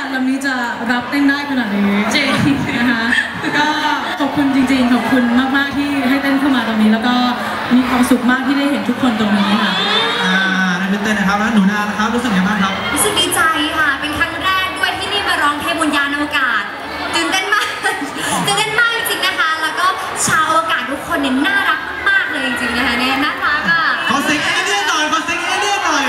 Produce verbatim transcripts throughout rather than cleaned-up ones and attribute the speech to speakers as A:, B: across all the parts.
A: ลำนี้จะรับเต้นได้ขนาดนี้จริงนะคะก็ขอบคุณจริงๆขอบคุณมากๆที่ให้เต้นเข้ามาตรงนี้แล้วก็มีความสุขมากที่ได้เห็นทุกคนตรงนี้ค่ะ
B: อ่านั่นเป็นเต้นนะครับแล้วหนูนานะครับรู้สึกยังไงบ้างครับ
C: รู้สึกดีใจค่ะเป็นครั้งแรกด้วยที่นี่มาร้องเพลงบนยานอวกาศตื่นเต้นมากตื่นเต้นมากจริงๆนะคะแล้วก็ชาวอวกาศทุกคนเนี่ยน่ารักมากเลยจริงๆนะคะเนี่ยน่ารักอ่ะ
B: ขอเสียงเอเลี่ยนหน่อยขอเสียงเอเลี่ยนหน่อย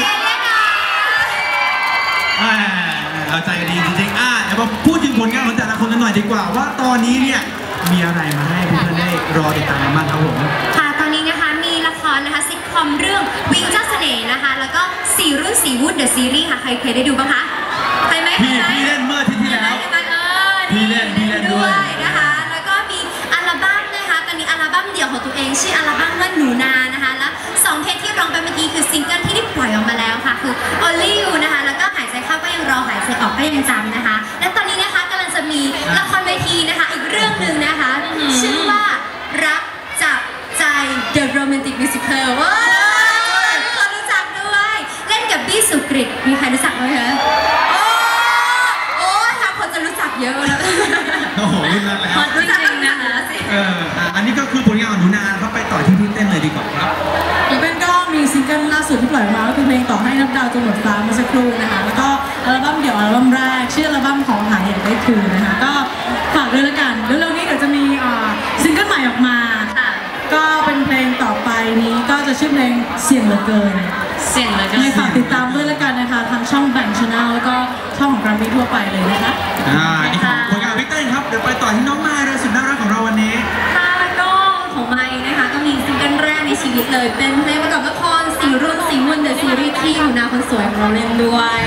B: เอาใจดีจริงๆอ่ะเดี๋ยวมาพูดถึงผลงานของแต่ละคนกันหน่อยดีกว่าว่าตอนนี้เนี่ยมีอะไรมาให้เพื่อนๆได้รอติดตามกันบ้างครับผม
C: ค่ะตอนนี้นะคะมีละครนะคะซิทคอมเรื่องวิงเจ้าเสน่ห์นะคะแล้วก็สี่รุ่นสี่วุฒิเดอะซีรีส์ค่ะใครเคยได้ดูบ้างคะใครไหม
B: พี่พี่เล่นเมื่อที่ที่แล้ว
C: พี่เล่นพี่เล่นด้วยนะคะแล้วก็มีอัลบั้มนะคะตอนนี้อัลบั้มเดี่ยวของตัวเองชื่ออัลบั้มว่าหนูนานะคะแล้วสองเพลงที่ร้องไปเมื่อกี้คือซิงเกิลที่ได้ปล่อยออกมาแล้วค่ะคือ Only You นะคะแล้วก็หายใจเข้าก็ยังรอหายใจออกก็ยังจำนะคะและตอนนี้นะคะกำลังจะมีละครเวทีนะคะอีกเรื่องหนึ่งนะคะชื่อว่ารักจับใจ The Romantic Musical ว้าวทุกคนรู้จักด้วยเล่นกับบี้สุกฤตมีใครรู้จักไหมคะโอ้โอ้ทางคนจะรู้จักเยอะแล้ว
B: โอ้โหรุ่นนั้นแล้ว
C: รู้จักจริงนะคะ
B: เอออันนี้ก็คือผลงานของหนูนาเขาไปต่อที่พี่เต้นเลยดีกว่าครับ
A: พี่เต้นก็มีซิงเกิลล่าสุดที่ปล่อยมาก็คือเพลงต่อให้นับดาวจนหมดฟ้าเมื่อสักครู่นะคะแล้วก็อัลบั้มเดี่ยวอัลบั้มแรกชื่ออัลบั้มของหายอยากได้คืนนะคะก็ฝากด้วยละกันเร็วๆนี้เดี๋ยวจะมีซิงเกิลใหม่ออกมาก็เป็นเพลงต่อไปนี้ก็จะชื่อเพลงเสียงเหลือเกิน
C: เสียงเหลือเกิน
A: ให้ฝากติดตามด้วยละกันนะคะทางช่องแบ่งชาแนลแล้วก็ช่องของกราฟีทั่วไปเลยนะคะ
B: อ่านี่คือผลงานพี่เต้นครับเดี๋ยวไปต่อที่น้องมายเลยสุดน่ารักของเราวันนี้
C: ค่ะก็ของไมค์นะคะก็มีซิงเกิลแรกในชีวิตเลยเป็นเพลงประกอบละครสี่รุ่นสี่วุ่นเดอะซีรีส์ที่หนูนาคนสวยของเราเล่นด้วย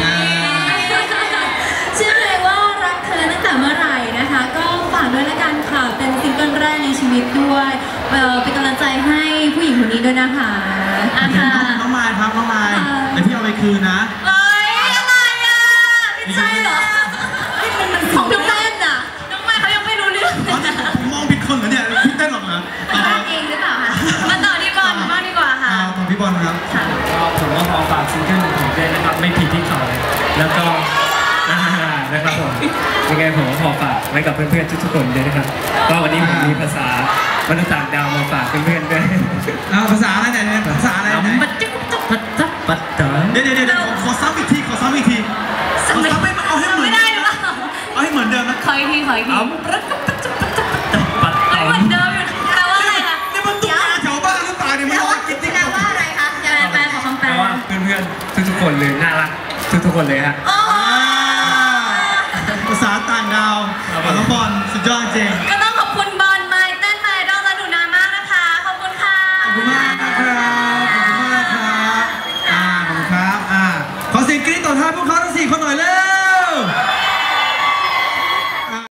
C: ชื่อเพลงว่ารักเธอตั้งแต่เมื่อไหร่นะคะก็ฝากด้วยละกันค่ะเป็นซิงเกิลแรกในชีวิตด้วยเป็นกำลังใจให้ผู้หญิงคนนี้ด้วยนะคะ
B: อ่ะน้องมายครับน้องมายเดี๋ยวพี่เอาไปคืนนะ
C: เอ้ยอะไรอ่ะไม่ใช่เหรอของน้องเต้นอ่ะน้องมายเขายังไม่รู้เรื่อง
B: มองผิดคนเหรอเนี่ยพี่เต้นหรอกเหรอ
C: บ้านเองหรือเปล่าคะมาต่อที่บอลบ้างดีกว่าค่ะ
B: ต่อพี่บอลครับ
D: ก็ผมก็ขอฝากซิงเกิลของเต้นนะครับไม่ผิดที่เขาแล้วก็นะครับผมยังไงผมก็ขอฝากไว้กับเพื่อนๆทุกๆคนด้วยนะครับก็วันนี้ผมมีภาษามนุษย์ต่างดาวมาฝากเพื่อนๆด้วย
B: ภาษาอะไรเนี่ยภาษาอะไรเนี่ย
D: ปัดจิ๊บปัดจับปัดเต๋อ
B: เดี๋ยวเดี๋ยวขอซ้ำอีกทีขอซ้ำอีกทีขอซ้ำไม่เอาให้เหมือน
C: ไม่ได้หรือเปล่า
B: เอาให้เหมือนเดิมนะ
C: ขออีกทีขออีกที
D: ปัดเต๋อ
C: เหมือนเดิมอยู่แปลว่าอะไรคะ
B: นี่มันตุ๊กตาแถวบ้านหรือเปล่าเนี่ยมันร้อนกินติ๊ก
C: แปลว่าอะไรคะจะแปลขอคำแปล
D: ว่าเพื่อนๆทุกๆคนเลยน่ารักทุกๆคนเลยฮะ
B: ภาษาต่างดาวน้องบอลสุดยอดจริง
C: ก็ต้องขอบคุณบอลไมค์เต้นไมค์ดอลและหนูนามากนะคะขอบคุณค่ะ
B: ขอบคุณมากครับ